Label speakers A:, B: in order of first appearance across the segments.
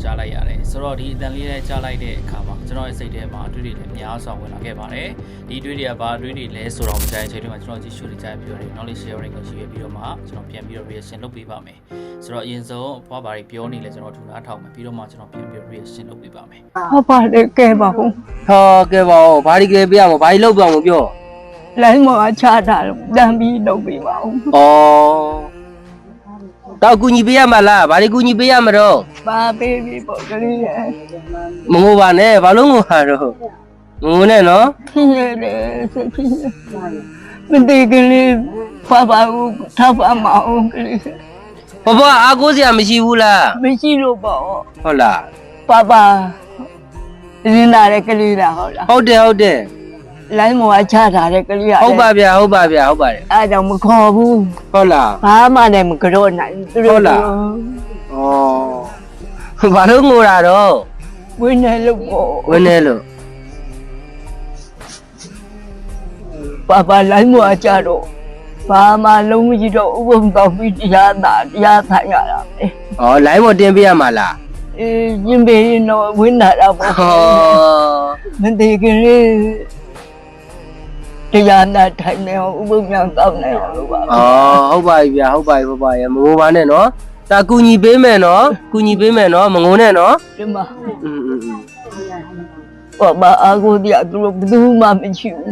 A: ကြားလိုက်ရတယ်ဆိုတော့ဒီအတန်လေးနဲ့ကြားလိုက်တဲ့အခါမှာကျွန်တော်ရဲ့စိတ်ထဲမှာအတွေ့အကြုံတွေများစွာဝင်လာခဲ့ပါတယ်ဒီအတွေ့အကြုံကဘာအတွေ့အကြုံလဲဆိုတော့မကြိုင်ချိန်တွေမှာကျွန်တော်ကြည့်ရှုနေကြပြီးတော့ knowledge sharing ကိုရှိရပြီးတော့မှကျွန်တော်ပြန်ပြီးတော့ reaction လုပ်ပေးပါမယ်ဆိုတော့အရင်ဆုံးဘွားဘာတွေပြောနေလဲကျွန်တော်ထူနားထောင်မယ်ပြီးတော့မှကျွန်တော်ပြန်ပြီး reaction လုပ်ပေးပါမယ်
B: ဟုတ်ပါတယ်ကဲပါဦး
C: ဟောကဲပါဦးဘာဒီကဲပြရမဘာဒီလောက်ပြအောင်ပြော
B: လိုင်းမောချတာလို့တန်ပြီးလုပ်ပေးပါဦး
C: ဩတော့ကူညီပေးရမလားဘာဒီကူညီပေးရမတော့
B: ပါပေးပြီးပေါ့ကလေးရဲ့
C: မငိုပါနဲ့ဘာလို့ငိုတာတော့ငိုနဲ့နော်
B: ဖြစ်ရတယ်ဖြစ်မတေကလေးဖွာပါဦးထောက်ပါမအောင်ကလေး
C: ဘဘအားကိုးစရာမရှိဘူးလား
B: မရှိလို့ပေါ့
C: ဟုတ်လား
B: ပါရင်းလာတဲ့ကလေးလားဟုတ်လား
C: ဟုတ်တယ်
B: လိုင်းမောချတာတဲ့ကလေး
C: ဟုတ်ပါဗျာဟုတ်ပါတယ်
B: အားကြောင့်မခေါ်ဘူး
C: ဟုတ်လား
B: ဘာမှလည်းမကြော့နိုင်
C: သူတို့ဟုတ်လားဩဘာလို့ငိုတာတော့
B: ဝင်းနေလို့ပေါ့
C: ဝင်းနေလို့
B: ပါလိုင်းမောချတော့ဘာမှလုံးမကြည့်တော့ဥပုံတော်ပြီးတရားထိုင်ရတာပဲ
C: ဩလိုင်းမောတင်ပြရမှာလား
B: ရင်ပေးရင်တော့ဝင်းလာတာပေါ့မတေကလေးတရားနာထိုင်နေအောင်ဥပုံမြောင်တောင်းနေအောင်လို့ပါ
C: ဟုတ်ပါပြီဗျာဟုတ်ပါပြီပါရမငိုပါနဲ့နော်ဒါကူညီပေးမယ်နော်ကူညီပေးမယ်နော်မငိုနဲ့နော်
B: ဒီမှာဘာအားကိုတရားသူတို့ဘယ်သူမှမရှိဘူး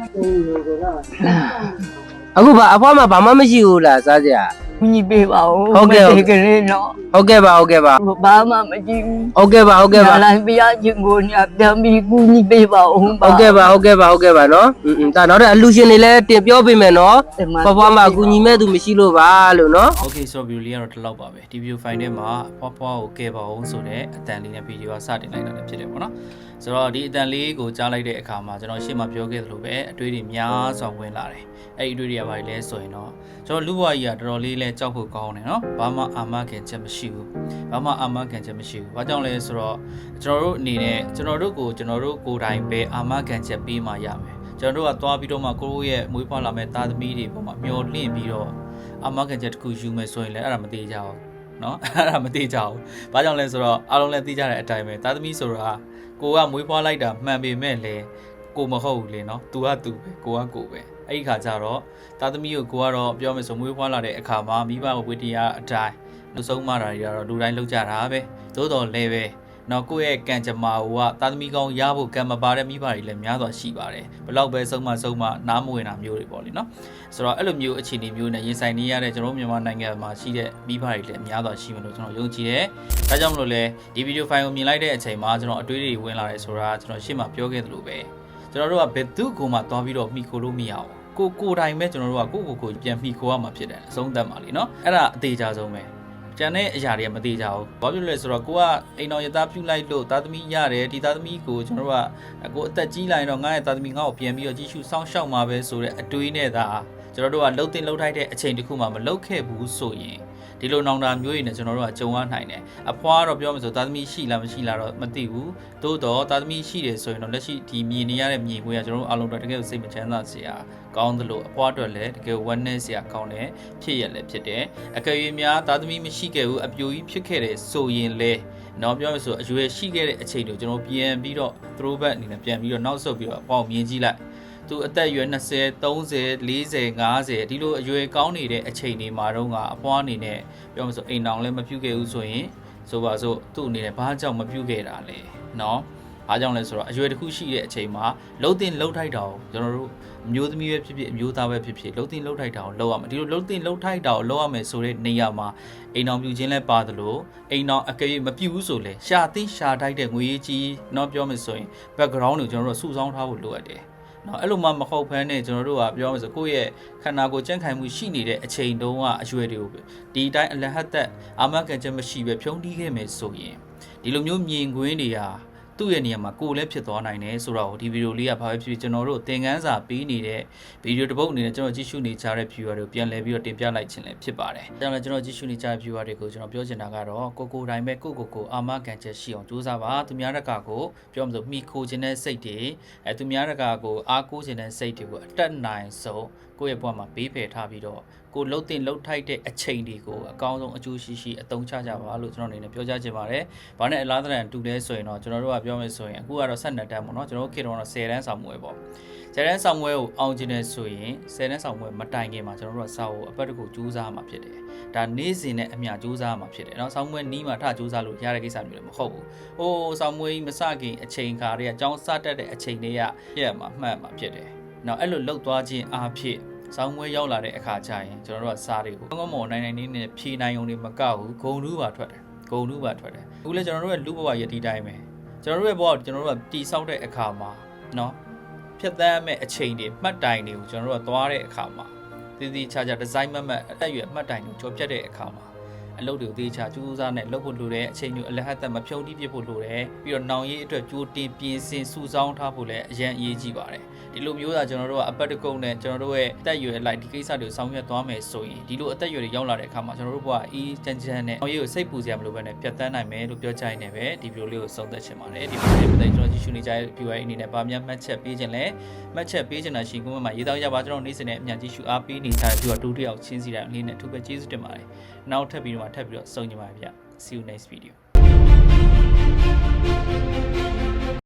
C: အခုအဖွားမှာဘာမှမရှိဘူးလားစားကြ
B: ကူညီပေးပါဦး
C: ဟုတ်ကဲ့
B: ကလေးနော်
C: ဟုတ်ကဲ့ပါ
B: ဘာမှမရှိဘူး
C: ဟုတ်ကဲ့ပါ
B: လိုင်းပြရချင်းကိုညပြန်ပြီးကူညီပေးပါဦး
C: ဟုတ်ကဲ့ပါနော်ဒါနောက်တဲ့အလူရှင်တွေလည်းတင်ပြောပေးမယ်နော်ဘွားမှာကူညီမဲ့သူမရှိလို့ပါလို့နော်
A: โอเคဆိုတော့ view လေးကတော့ဒီလောက်ပါပဲဒီ view file ထဲမှာဘွားကိုကဲပါအောင်ဆိုတဲ့အတန်လေးနဲ့ဗီဒီယိုကစတင်လိုက်တာလည်းဖြစ်တယ်ပေါ့နော်ဆိုတော့ဒီအတန်လေးကိုကြားလိုက်တဲ့အခါမှာကျွန်တော်ရှေ့မှာပြောခဲ့သလိုပဲအတွေးတွေများစွာဝင်လာတယ်အဲ့ဒီအတွေးတွေကဘာလဲဆိုရင်တော့ကျွန်တော်လူဘွားကြီးကတော်တော်လေးလဲကြောက်ဖို့ကောင်းတယ်နော်ဘာမှအာမခံချက်မရှိဘူးဘာကြောင့်လဲဆိုတော့ကျွန်တော်တို့အနေနဲ့ကျွန်တော်တို့ကိုယ်တိုင်ပဲအာမခံချက်ပေးမှရမယ်ကျွန်တော်တို့ကသွားပြီးတော့မှကိုယ့်ရဲ့မွေးဖွားလာမဲ့သားသမီးတွေပေါ်မှာမျောလင့်ပြီးတော့အာမခံချက်တစ်ခုယူမယ်ဆိုရင်လည်းအဲ့ဒါမသေးကြဘူးနော်အဲ့ဒါမသေးကြဘူးဘာကြောင့်လဲဆိုတော့အားလုံးလည်းသိကြတဲ့အတိုင်းပဲသားသမီးဆိုတာကိုကမွေးဖွားလိုက်တာမှန်ပေမဲ့လည်းကိုမဟုတ်ဘူးလေနော်သူကသူပဲကိုကကိုပဲအဲ့ဒီခါကျတော့သားသမီးကိုကတော့ပြောမယ်ဆိုမွေးဖွားလာတဲ့အခါမှာမိဘဝေတရားအတိုင်းလူဆုံးမတာတွေကတော့လူတိုင်းလုပ်ကြတာပဲသို့တော်လည်းပဲနော်ကိုယ့်ရဲ့ကံကြမ္မာကသားသမီးကောင်းရဖို့ကံမပါတဲ့မိဘတွေလည်းများစွာရှိပါတယ်ဘလောက်ပဲဆုံးမနားမဝင်တာမျိုးတွေပေါ့လေနော်ဆိုတော့အဲ့လိုမျိုးအခြေအနေမျိုးနဲ့ရင်ဆိုင်နေရတဲ့ကျွန်တော်မြန်မာနိုင်ငံမှာရှိတဲ့မိဘတွေလည်းများစွာရှိမယ်လို့ကျွန်တော်ယုံကြည်တယ်ဒါကြောင့်မလို့လဲဒီဗီဒီယိုဖိုင်ကိုမြင်လိုက်တဲ့အချိန်မှာကျွန်တော်အတွေးတွေဝင်လာတယ်ဆိုတာကျွန်တော်ရှေ့မှာပြောခဲ့သလိုပဲကျွန်တော်တို့ကဘယ်သူ့ကိုမှသွားပြီးတော့မိခိုလို့မရအောင်ကိုတိုင်ပဲကျွန်တော်တို့ကကိုပြန်မိခိုရမှာဖြစ်တယ်အဆုံးသတ်မှာလीနော်အဲ့ဒါအသေးချာဆုံးပဲကျန်တဲ့အရာတွေကမသေးကြဘူးဘာဖြစ်လို့လဲဆိုတော့ကိုကအိမ်တော်ရသားပြုတ်လိုက်လို့သားသမီးရတယ်ဒီသားသမီးကိုကျွန်တော်တို့ကကိုအသက်ကြီးလာရင်တော့ငါ့ရဲ့သားသမီးငါ့ကိုပြန်ပြီးတော့ကြီးစုစောင့်ရှောက်မှာပဲဆိုတဲ့အတွေးနဲ့သာကျွန်တော်တို့ကလှုပ်တင်လှုပ်ထိုက်တဲ့အချိန်တစ်ခုမှမလှုပ်ခဲ့ဘူးဆိုရင်ဒီလိုနောင်တာမျိုးတွေနဲ့ကျွန်တော်တို့ကကြုံရနိုင်တယ်အဖွားကတော့ပြောမှဆိုသားသမီးရှိလားမရှိလားတော့မသိဘူးသို့တော့သားသမီးရှိတယ်ဆိုရင်တော့လက်ရှိဒီမြင်နေရတဲ့မြင်ကွင်းကကျွန်တော်တို့အားလုံးတော့တကယ်စိတ်မချမ်းသာစရာကောင်းသလိုအဖွားအတွက်လည်းတကယ်ဝမ်းနည်းစရာကောင်းတယ်ဖြစ်ရလည်းဖြစ်တယ်အကယ်၍များသားသမီးမရှိခဲ့ဘူးအပြိုကြီးဖြစ်ခဲ့တယ်ဆိုရင်လည်းနော်ပြောမှဆိုအရွယ်ရှိခဲ့တဲ့အချိန်တွေကျွန်တော်ပြန်ပြီးတော့ throwback အနေနဲ့ပြန်ပြီးတော့နောက်ဆုတ်ပြီးတော့အပေါက်မြင်ကြည့်လိုက်သူအသက်အရွယ်20 30 40 50ဒီလိုအရွယ်ကောင်းနေတဲ့အချိန်တွေမှာတော့ကအဖွားအနေနဲ့ပြောမှဆိုအိမ်တောင်လည်းမပြုတ်ခဲ့ဘူးဆိုရင်ဆိုပါစို့သူ့အနေနဲ့ဘာကြောင့်မပြုတ်ခဲ့တာလဲနော်အားကြောင့်လဲဆိုတော့အရွယ်တစ်ခုရှိတဲ့အချိန်မှာလှုပ်တင်လှုပ်ထိုက်တာကိုကျွန်တော်တို့အမျိုးသမီးပဲဖြစ်ဖြစ်အမျိုးသားပဲဖြစ်ဖြစ်လှုပ်တင်လှုပ်ထိုက်တာကိုလှုပ်ရမယ်ဒီလိုလှုပ်တင်လှုပ်ထိုက်တာကိုလှုပ်ရမယ်ဆိုတဲ့နေရာမှာအိမ်တော်ပြူခြင်းလဲပါသလိုအိမ်တော်အကယ်၍မပြူဘူးဆိုလဲရှာသိရှာထိုက်တဲ့ငွေကြီးတော့ပြောမယ်ဆိုရင် background ကိုကျွန်တော်တို့စုဆောင်းထားဖို့လိုအပ်တယ်နော်အဲ့လိုမှမဟုတ်ဘဲနဲ့ကျွန်တော်တို့ကပြောမှဆိုကိုယ့်ရဲ့ခန္ဓာကိုယ်ကြံ့ခိုင်မှုရှိနေတဲ့အချိန်တုန်းကအရွယ်တွေကိုဒီအတိုင်းအလဟတ်သက်အာမခံချက်မရှိပဲဖြုံးတီးခဲ့မယ်ဆိုရင်ဒီလိုမျိုးမြင်ကွင်းတွေဟာသူ့ရဲ့နေရာမှာကိုယ်လည်းဖြစ်သွားနိုင်တယ်ဆိုတော့ဒီဗီဒီယိုလေးကဘာပဲဖြစ်ဖြစ်ကျွန်တော်တို့သင်ခန်းစာပေးနေတဲ့ဗီဒီယိုတစ်ပုဒ်အနေနဲ့ကျွန်တော်ကြည့်ရှုနေကြတဲ့ viewer တွေကိုပြန်လည်ပြီးတော့တင်ပြလိုက်ခြင်းလည်းဖြစ်ပါတယ်။ဒါကြောင့်လည်းကျွန်တော်ကြည့်ရှုနေကြတဲ့ viewer တွေကိုကျွန်တော်ပြောချင်တာကတော့ကိုတိုင်းပဲကိုအာမခံချက်ရှိအောင်ကြိုးစားပါသူများတကာကိုပြောမှဆိုမိခိုခြင်းတဲ့စိတ်တွေသူများတကာကိုအားကိုးခြင်းတဲ့စိတ်တွေကိုအတက်နိုင်ဆုံးကိုယ့်ရဲ့ဘဝမှာပေးဖယ်ထားပြီးတော့ကိုလှုပ်တင်လှုပ်ထိုက်တဲ့အချိန်တွေကိုအကောင်းဆုံးအကျိုးရှိရှိအသုံးချကြပါလို့ကျွန်တော်အနေနဲ့ပြောကြားချင်ပါတယ်။ဘာနဲ့အလားတရံတူလဲဆိုရင်တော့ကျွန်တော်တို့ကပြောမယ်ဆိုရင်အခုကတော့12တန်းပေါ့နော်ကျွန်တော်တို့ခေတ္တကတော့10တန်းဆောင်မွေးပေါ့10တန်းဆောင်မွေးကိုအောင်ကျင်နေဆိုရင်10တန်းဆောင်မွေးမတိုင်ခင်မှာကျွန်တော်တို့ကစာအုပ်အပတ်တကူကြိုးစားမှာဖြစ်တယ်။ဒါနေ့စဉ်နဲ့အမျှကြိုးစားမှာဖြစ်တယ်။နော်ဆောင်မွေးနီးမှာထကြိုးစားလို့ရတဲ့ကိစ္စမျိုးလည်းမဟုတ်ဘူး။ဟိုဆောင်မွေးမစခင်အချိန်ခါတွေကအကြောင်းစတတ်တဲ့အချိန်တွေကပြည့်မှာမှတ်မှာဖြစ်တယ်။နော်အဲ့လိုလှုပ်သွားခြင်းအားဖြင့်ဆောင်းမွေးရောက်လာတဲ့အခါကျရင်ကျွန်တော်တို့ကစားတွေကိုကောင်းကောင်းမွန်နိုင်နိုင်နဲ့ဖြေနိုင်ုံတွေမကောက်ဘူးဂုံတူးပါထွက်တယ်ဂုံတူးပါထွက်တယ်အခုလည်းကျွန်တော်တို့ရဲ့လူဘဝရည်ဒီတိုင်းပဲကျွန်တော်တို့ရဲ့ဘဝကိုကျွန်တော်တို့ကတီဆောက်တဲ့အခါမှာနော်ဖြတ်သန်းမဲ့အချိန်တွေမှတ်တိုင်တွေကိုကျွန်တော်တို့ကသွားတဲ့အခါမှာတည်တည်ချာချာဒီဇိုင်းမတ်အသက်အရွယ်မှတ်တိုင်တွေကြော်ပြတ်တဲ့အခါမှာအလုပ်တွေကိုတေးချကြိုးစားနဲ့လုပ်ဖို့လိုတယ်အချိန်မျိုးအလဟတ်သက်မဖြုံတိပြစ်ဖို့လိုတယ်ပြီးတော့နောင်ရေးအတွက်ကြိုးတင်ပြင်ဆင်စုဆောင်းထားဖို့လည်းအရင်အရေးကြီးပါတယ်ဒီလိုမျိုးသာကျွန်တော်တို့ကအပတ်တကုတ်နဲ့ကျွန်တော်တို့ရဲ့အသက်အရွယ်လိုက်ဒီကိစ္စတွေကိုဆောင်ရွက်သွားမယ်ဆိုရင်ဒီလိုအသက်အရွယ်တွေရောက်လာတဲ့အခါမှာကျွန်တော်တို့ဘဝအေးချမ်းချမ်းနဲ့နောင်ရေးကိုစိတ်ပူစရာမလိုဘဲနဲ့ပြတ်သန်းနိုင်မယ်လို့ပြောချင်နေပဲဒီဗီဒီယိုလေးကိုဆုံးသက်ချင်ပါတယ်ဒီဗီဒီယိုလေးပတ်သက်ကျွန်တော်ကြည့်ရှုနေကြတဲ့ viewer အနေနဲ့ဗာများမှတ်ချက်ပေးခြင်းလဲမှတ်ချက်ပေးခြင်းတာရှိကွန်မန့်မှာရေးသားကြပါကျွန်တော်နေ့စဉ်နဲ့အမြန်ကြည့်ရှုအားပေးနေကြတဲ့ viewer တူတယောက်ချင်းစီတိုင်းအလေးနဲ့အထူးပဲကျေးဇူးတင်ပါတယ်နောက်ထပ်ပြီးတော့ထပ်ပြီးတော့ဆုံးကြပါဗျ See you next video